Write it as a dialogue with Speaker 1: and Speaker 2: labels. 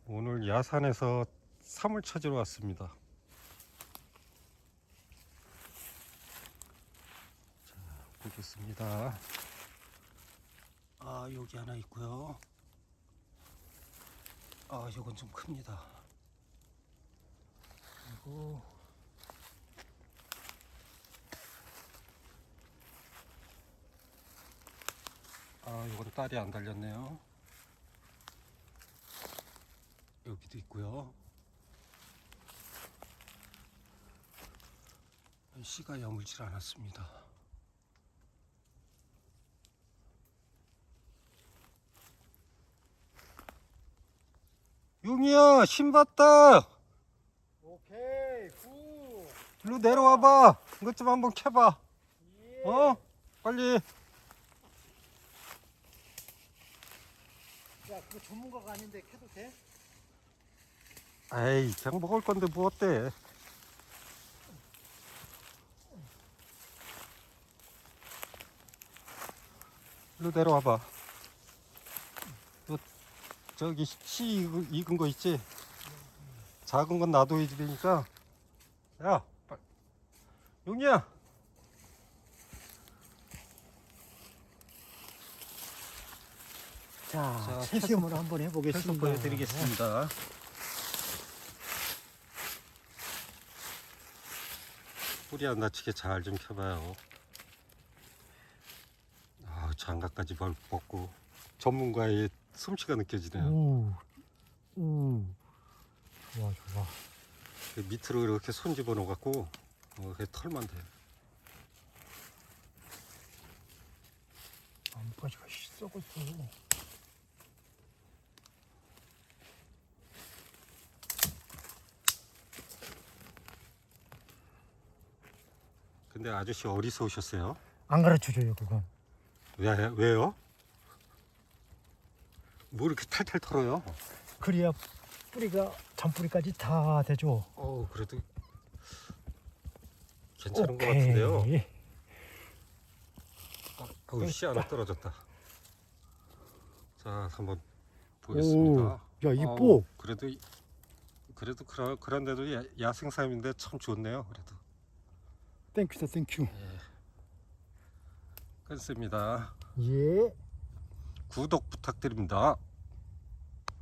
Speaker 1: 오늘 야산에서 사물 찾으러 왔습니다. 자, 보겠습니다. 아, 여기 하나 있고요. 아, 이건 좀 큽니다. 그리고 아, 이건 딸이 안 달렸네요. 여기도 있고요. 씨가 여물질 않았습니다. 용이야, 신 봤다.
Speaker 2: 오케이, 굿.
Speaker 1: 일로 내려와봐. 이것 좀 한번 캐봐.
Speaker 2: 예.
Speaker 1: 어? 빨리.
Speaker 2: 야, 그거 전문가가 아닌데 캐도 돼?
Speaker 1: 에이, 그냥 먹을 건데 뭐 어때? 일로 내려와봐. 저기 씨 익은 거 있지? 작은 건 놔둬야 되니까. 야, 용이야.
Speaker 2: 자,
Speaker 1: 자,
Speaker 2: 채시험을 한번
Speaker 1: 계속
Speaker 2: 해보겠습니다.
Speaker 1: 보여드리겠습니다. 뿌리 안 다치게 잘 좀 켜봐요. 아, 장갑까지 벗고 전문가의 솜씨가 느껴지네요.
Speaker 2: 오, 좋아, 좋아.
Speaker 1: 그 밑으로 이렇게 손 집어넣어 갖고 그 털만 돼.
Speaker 2: 나뭇가지가 썩었어.
Speaker 1: 근데 아저씨 어디서 오셨어요?
Speaker 2: 안 가르쳐줘요, 그건.
Speaker 1: 왜요? 뭐 이렇게 탈탈 털어요?
Speaker 2: 그래야 뿌리가, 잔뿌리까지 다 되죠.
Speaker 1: 그래도 괜찮은 것 같은데요. 씨 하나 떨어졌다. 자, 한번 보겠습니다.
Speaker 2: 야, 이뻐.
Speaker 1: 그래도 그런데도 야생삼인데 참 좋네요. 그래도
Speaker 2: 땡큐다, 땡큐.
Speaker 1: 끊습니다.
Speaker 2: 예.
Speaker 1: 구독 부탁드립니다.